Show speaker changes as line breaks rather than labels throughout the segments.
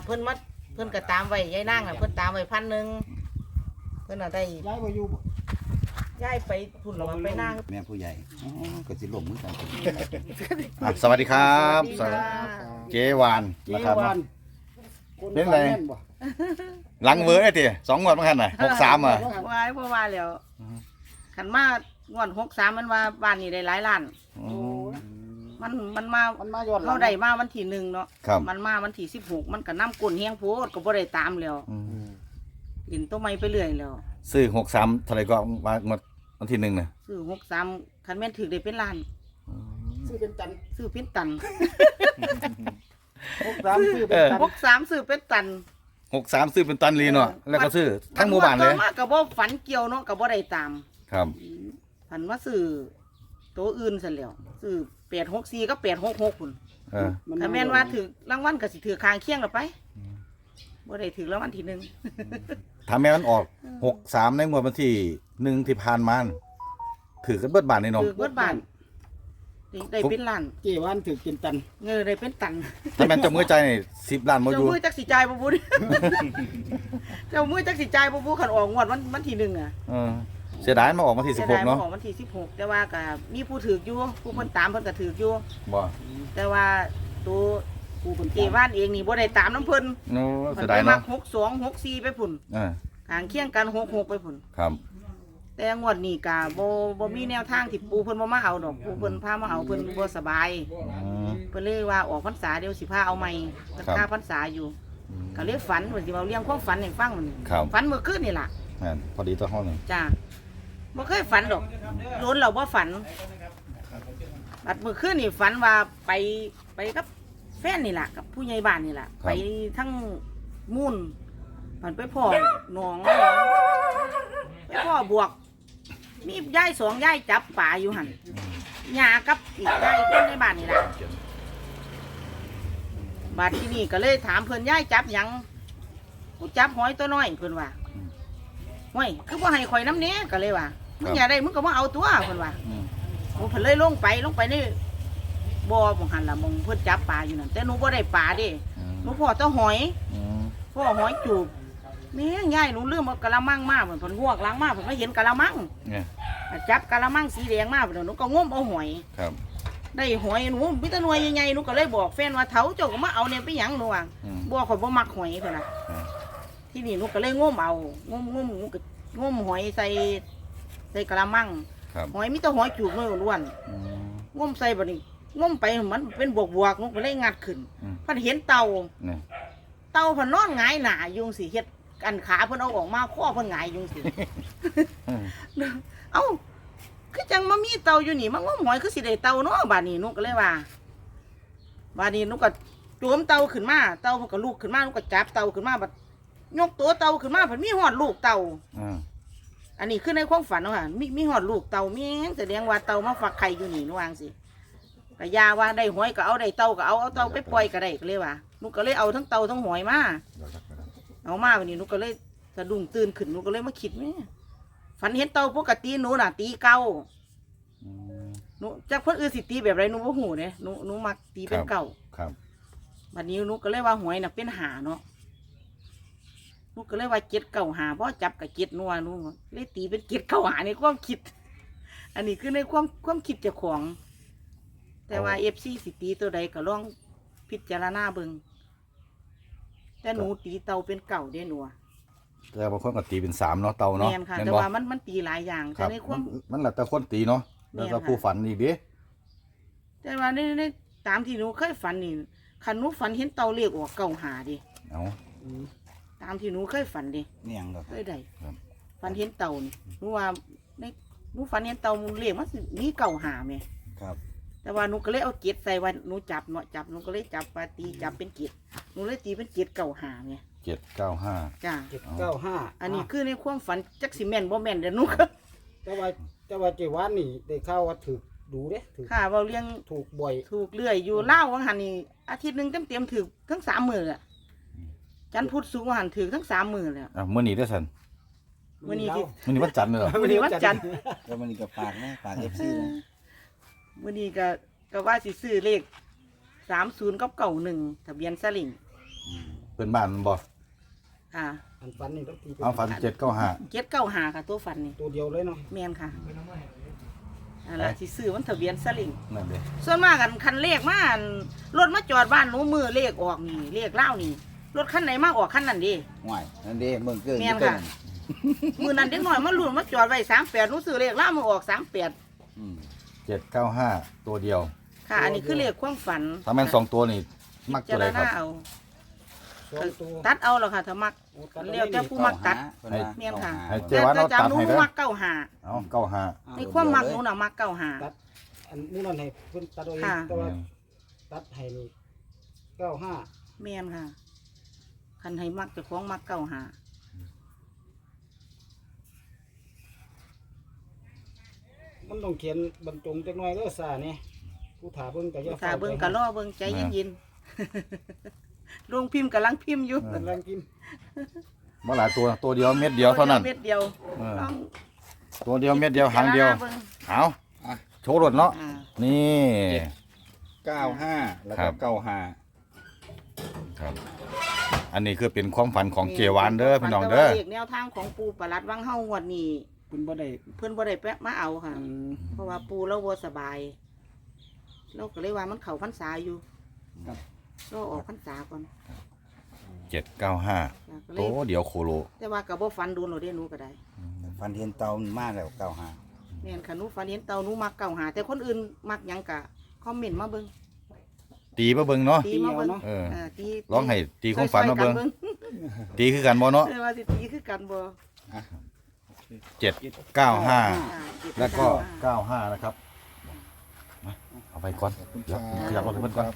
เพิ่นก็ตามไว้ยายนางน่ะเพิ่นตามไว้1,000เพิ่นน่ะได้
ย้ายมาอยู่
ย้ายไปพุ่นแล้วไปนาง
แม่ผู้ใหญ่ก็สิล้มมือกัน
สวัสดีครับ
สวัสดีค่ะ
เจวาน
เจ
นะครับ
วาน
เป็นไร
แม่นบ่
หลังเวอร์ไอ้ตี2 งวดมั้งคันน่ะ63อ่ะ
ว่าบ่ว่าแล้วคันมางวด63มันว่าบ้านนี้ได้หลายล้าน
อืม
มันมา
มันมาย้อนหลั
เฮาง ได้มาวันที่1เนาะ
ครับ
มันมาวันที่16มันก็น้ำก้นแห้งโพดก็บ่ได้ตามแล้ว
อืม
กินตัวใหม่ไปเรื่อยแล้ว
ซื้อ63เท่าไหร่ก็งวดวันที่1น่ะ
ซื้อ63คันแม่นถือได้เป็นล้าน
ซื้อเป็นตัน
ซื้อเป็นตัน
63ซื้อเป็นตัน
63ซื้อเป็นตัน
63ซื้อเป็นตันลีเนาะแล้วก็ซื้อทั้งหมู่บ้านเลย
ต่อมาก็บ่ฝันเกี่ยวเนาะก็บ่ได้ตาม
ครับ
ฝันว่าซื้อตัวอื่นซั่นแหล้วซื้อ864กับ866พุ่น
เออ
ถ้าแม่นว่าถือรางวัลก็สิถือคางเคียงละไปบ่ได้ถือรางวัลที่1
ถ้าแม่มันออก63ในงวดวันที่1ที่ผ่านมาถือกันเบิดบาทนี่เนาะ
ถือเบิดบ้านได้เป็นล้าน
เจวานถือเป็นตัน
เงินได้เป็นตัน
ถ้าแม่นจำมือใจนี่10ล้านบ่อ
เจ้า
ยู่
มือจักสิจ่ายบ่บุ เจ้ามือจักสิจ่ายบ่บุคันออกงวดวันที่1อ่ะ
เออเสียดายมาออกมาที่
จะได้
16เนาะ
ของวันที่16แต่ว่าก็มีผู้ถืออยู่ผู้เพิ่นตามเพิ่นก็ถืออยู่
บ่
แต่ว่าตัว
กูเป็น
เจว่านเองนี่บ่ได้ตามน้ำเพิ่น
โน้
เพิ่
เสี
น
ย
ไป
ดาย
มั
เนาะ
ก62 64ไปพุ่น
เออ
ทางเคียงกัน66ไปพุ่น
ครับ
แต่งวดนี้ก็บ่มีแนวทางที่ปู่เพิ่นบ่มาเอาดอกปู่เพิ่นพามาเอาเพิ่นบ่สบาย
อืม
เพิ่นเลยว่าออกพรรษาเดี๋ยวสิพาเอาใหม่เพิ่น
ครับ
ค่าพรรษาอยู่ก็เลยฝันว่าสิเอาเรื่องความฝันให้ฟังมัน
ครับ
ฝันเมื่อคืนนี่ล่ะ
แม่นพอดีตัวห้องหนึ่ง
จ้าบ่เคยฝันดอกโล้นเราบ่ฝันบัดเมื่อคืนนี่ฝันว่าไปกับแฟนนี่ล่ะกับผู้ใหญ่บ้านนี่ล่ะไปทั้งมุ่นมันไปพ่อหนองไปพ่อบวก มียาย2ยายจับป่าอยู่หั่นยากับอีกยายคนในบ้านนี่ล่ะบัดที่นี่ก็เลยถามเพิ่นยายจับหยังกูจับหอยตัวน้อยเพิ่นว่าห้วยคือบ่ให้ข่อยน้ำเนี้ยก็เลยว่ามึงอย่าได้มึงก็มาเอาตัวเพิ่นว่า
อืม
โอ้เพิ่นเลยลงไปในบ่อหม่องหันล่ะหม่องเพิ่นจับปลาอยู่นั่นแต่หนูบ่ได้ปลาเด้หนูพ่อแตัวหอย
อืม
พ่อหอยจูบแม่ยายหนูลืมเอากะละมังมาเพิ่นงวกล้างมาเพิ่นก็เห็นกะละมัง
เนี่ย
จับกะละมังสีแดงมาเพิ่นหนูก็งมเอาหอย
ครับ
ได้หอยหนูมีแต่หน่วยใหญ่ๆหนูก็เลยบอกแฟนว่าเถาเจ้าก็มาเอาเนี่ยไปหยังหนูว่า
อืม
บ่ข่อยบ่มักหอยเพิ่นน่ะ
อืม
ที่นี่หนูก็เลยงมเอางมหนูก็งมหอยใส่กะละมัง
ครับ
หอยมีแต่หอยจูบน้อยล้วน
อืม
งมใส่บัดนี้งมไปมันเป็นบวกๆหนูก็เลยงัดขึ้น
อืม
เพิ่นเห็นเต่า
เนี่ย
เต่าเพิ่นนอนหงายหน้าอยู่จังซี่เฮ็ดอันขาเพิ่นเอาออกมาคอเพิ่นหงายอยู่จังซี่
อืม
เอ้าคือจังมามีเต่าอยู่นี่มางมหอยคือสิได้เต่าเนาะบัดนี้หนูก็เลยว่าบัดนี้หนูก็จูมเต่าขึ้นมาเต่าเพิ่นก็ลูกขึ้นมาหนูก็จับเต่าขึ้นมาบัดยกตัวเต่าขึ้นมาเพิ่นมีฮอดลูกเต่า
อืม
อันนี้คือในความฝันเนาะค่ะมีฮอดลูกเต่ามีหยังแสดงว่าเต่ามาฝักไข่อยู่นี่หนูว่าจังซี่ก็ยาว่าได้หอยก็เอาได้เต่าก็เอาเต่าไปปล่อยก็ได้ก็เลยว่าหนูก็เลยเอาทั้งเต่าทั้งหอยมาเอามาวันนี้หนูก็เลยสะดุ้งตื่นขึ้นหนูก็เลยมาคิดแม่ฝันเห็นเต่าปกติหนูน่ะตีเก่า
อืม
หนูจากคนอื่นสิตีแบบไรหนูบ่ฮู้เด้หนูมักตีเป็นเก่า
ครับ
บัดนี้หนูก็เลยว่าหวยน่ะเป็นหาเนาะหนูก็เลยว่า7 9 5บ่จับกับ7นัวหนูเลยตีเป็น7 9 5ในความคิด อันนี้คือในความคิดเจ้าของ แต่ว่า FC สิตีตัวใดก็ลองพิจารณาเบิ่งแต่หนูตีเต่าเป็นเก่าเด้หนูอะ
แต่บางคนก็ตีเป็น3เนาะเตาเนาะ
แม่นค่ะ
แม่น
แต่
บ่
ว่ามันตีหลายอย่าง
ค
แต่
รับ
ในความ
มันแล้วแต่คนตีเนาะแล้วก็
แม่นค่ะ
ผู้ฝันอีกเด้
แต่ว่าในตามที่หนูเคยฝันนี่คันหนูฝันเห็นเต่าเรียกออกเก่าหาดิ
เอา
ตามที่หนูเคยฝันดิ
เนี่ยงดอก
เคยได้
ครับ
ฝันเห็นเต่านี่หนูว่าในหนูฝันเห็นเต่ามันเรียกมันสิมีเก่าหาไหม
ครับ
แต่ว่าหนูก็เลยเอาเกล็ดใส่ว่าหนูจับเนาะจับหนูก็เลยจับปาตีจับเป็นเกล็ดหนูเลยตีเป็นเกล็ดเก่าหาไง
795
จ้า
795
อันนี้คือในความฝันจักสิแม่นบ่แม่นเดี๋ยวหนูก็
แต่ว่าเจวานนี่ได้ข่าวว่าถูกดูเด้ถูก
ค่ะเว้าเรื่อง
ถูกบ่อย
ถูกเลื่อยอยู่เล่าววังหันนี่อาทิตย์หนึงเต็มๆถือทั้ง3 มื้ออะจันทร์พุธศุกร์วังหันถือทั้ง3 มื้อแล้ว
อ่ะมื้อนี้เด้อซั่น
มื้อนี้ที่
มื้อนี้วันจันทร์เลยเหรอ
มื้อนี้วันจันทร์
แล้วมันนี่ก็ปากนะปาก FC นะ
มื้อนี้ก็ว่าสิซื้อเลข30กับ91ทะเบียนสลิง
เพื่อนบ้านมันบ่
ค่ะ
อันฝันนี่ต้องตีเป็น
เอาฝัน795
เจ็ดเก้าหาค่ะตัวฝันนี่
ตัวเดียวเลยเนาะ
แม่นค่ะนั่นล่ะสิซื้อมันทะเบียนสลิง
นั่นเด้
ส่วนมากกันคันเลขมาอั่นรถมาจอดบ้านหนูมือเลขออกนี่เลขเล่าวนี่รถคันไหนมาออกคันนั้นดิ
ห่วยนั่นเด้เมืองเกิน
แม่นค่ะ มือนั้นเด็กน้อยมาลุ้นมาจอดไว้38หนูซื้อเลขเล่าวมาออก38
อืม
795ตัวเดียว
ค่ะ อันนี้คือเลขความฝัน
ถ้าแม่น2ตัวนี่มักตัวใดครับ
พิจาณาเอา
สองตัว
ตัดเอาแล้วค่ะถ้ามัก
โอ้ตัด
เรียกแต่ผู้มักตัด แม่นค่ะ
ให้เจวันเอา
แต่
ตัด
หนู
ให้เด้อ
มักเก้าหา
เอา95
ในความมักหนูน่ะมักเก้าหา
ตัดอันนี้นั่นให้เพิ่นตัดเอาเอง
ค่ะ
แต่ว่าตัดให้นี่95
แม่นค่ะคันให้มักเจ้าของมักเก้าหา
มันต้องเขียนบรรจงจักหน่อยเด้อซ่านี่ผู้ถาเบิ่งก็อย่า
ถ้าเบิ่งก็รอเบิ่งใจเย็นๆ ลงพิมพ์กำลังพิมพ์อยู่
กำลังกิน
บ่หลายตัวเดียวเม็ดเดียวเท่านั้น
เม็ดเดียว
เออ
ต้อง
ตัวเดียวเม็ดเดียวหางเดียว
บิ่
เอาโชว์รถเนาะ
อ่า
นี่
95แล้ว
ครั
ก็
บ
95
ครับ อันนี้คือเป็นความฝันของเจวานเด้อพี่น้อง
แต่
เด้อ
ว่าเลขแนวทางของปูประหลัดวังเฮางวดนี้
เพิ่นบ่ได้
เพิ่นบ่ได้แปะมาเอาค่ะ
อืม
เพราะว่าปูเราบ่สบายเราก็เลยว่ามันเข้าพรรษาอยู่
ครับ
เราออกพรรษาก่อน
795
ก็เล
ตั
ยว
เดียวโคโล
แต่ว่าก็บ่ฝันโดนหรอกเด้หนูก็ได้
ฟันเห็นเตามันมาแล้ว95
แม่นค่ะหนูฝันเห็นเต่าหนูมักเก่าหาแต่คนอื่นมักหยังกะคอมเมนต์มาเบิ่ง
ตีมาเบิ่งเนาะ
ตีมาเบิ่ง
เออ
ตี
ร้องให้ตีความฝันมาเบิ่ง
ช่วยๆ
ตีคือกันบ่เนาะ
เออว่าสิตีคือกันบ่
795
อ่า
แล้วก็ 95 นะครับมาเอาไปก่อนเดี๋ยวขยับรถให้เพิ่นก่อน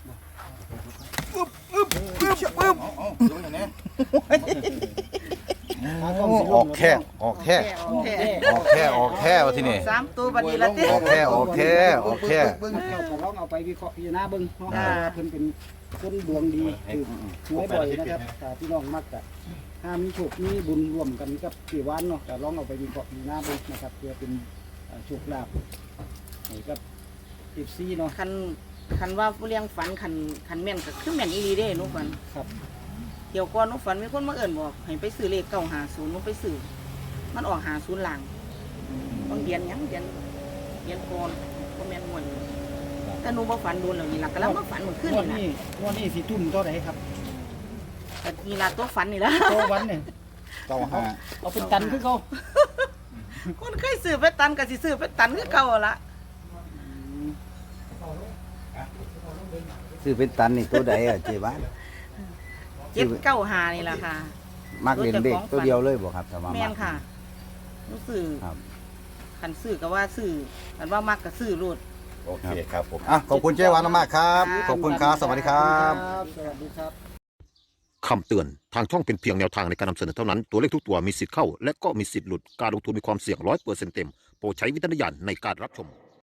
ออกแค่ออกแค่ออกแค่ออกแค่ว่าที่นี่
สามตัวบัดนี้ละติ
ออกแค่ออกแค่ออกแค่
เบิ่งแล้วก็ลองเอาไปวิเคราะห์พิจารณาเบิ่งเนาะ
อ่า
เพิ่นเป็นคนดวงดีคือหวยบ่อยนะครับถ้าพี่น้องมักก็ถ้ามีโชคมีบุญร่วมกันกับพี่หวานเนาะก็ลองเอาไปวิเคราะห์พิจารณาเบิ่งนะครับเพื่อเป็นโชคลาภให้กับ FC เนาะ
คันว่าผู้เลี้ยงฝันคันแม่นก็คือแม่นอีหลีเด้หนูฝัน
ครับ
เดี๋ยวก่อนหนูฝันมีคนมาเอิ้นบอกให้ไปซื้อเลข950หนูไปซื้อมันออก50หลังบางเดือนหยังเดือนก่อนบ่แม่นม่วนแต่หนูบ่ฝันโดนแล้วนี่ล่ะก็แล้วมาฝันเมื่อคืน
งวด
นี่ล่ะ
นี้งวดนี้สิทุ่มเท่าไหร่ครับ
แต่นี่ล่ะตัวฝันนี่ล่ะ
ตัววันเนี่ย
95
เอาเป็นตันคือเขา
คนเคยซื้อไปตันก็สิซื้อไปตันคือเก่าละ
ซื้อเป็นตันนี่ตัวใดอ่ะเจวัน
795นี่ล่ะค่ะ
มักเล่นเด็กตัวเดียวเลยบ่ครับถ้าว่า
แม่
มั
น
ก
ค่ะหนูซื้อ
ครับ
คันซื้อก็ว่าซื้อคันว่ามักก็ซื้อโลด
โอเคครับผมอ่ะขอบคุณเจวานมากครับ ขอบคุณครับ สวัสดีครับ
สวัสดีครับ
คำเตือน ทางช่องเป็นเพียงแนวทางในการนำเสนอเท่านั้น ตัวเลขทุกตัวมีสิทธิ์เข้า และก็มีสิทธิ์หลุด การลงทุนมีความเสี่ยง100%เต็ม โปรดใช้วิจารณญาณในการรับชม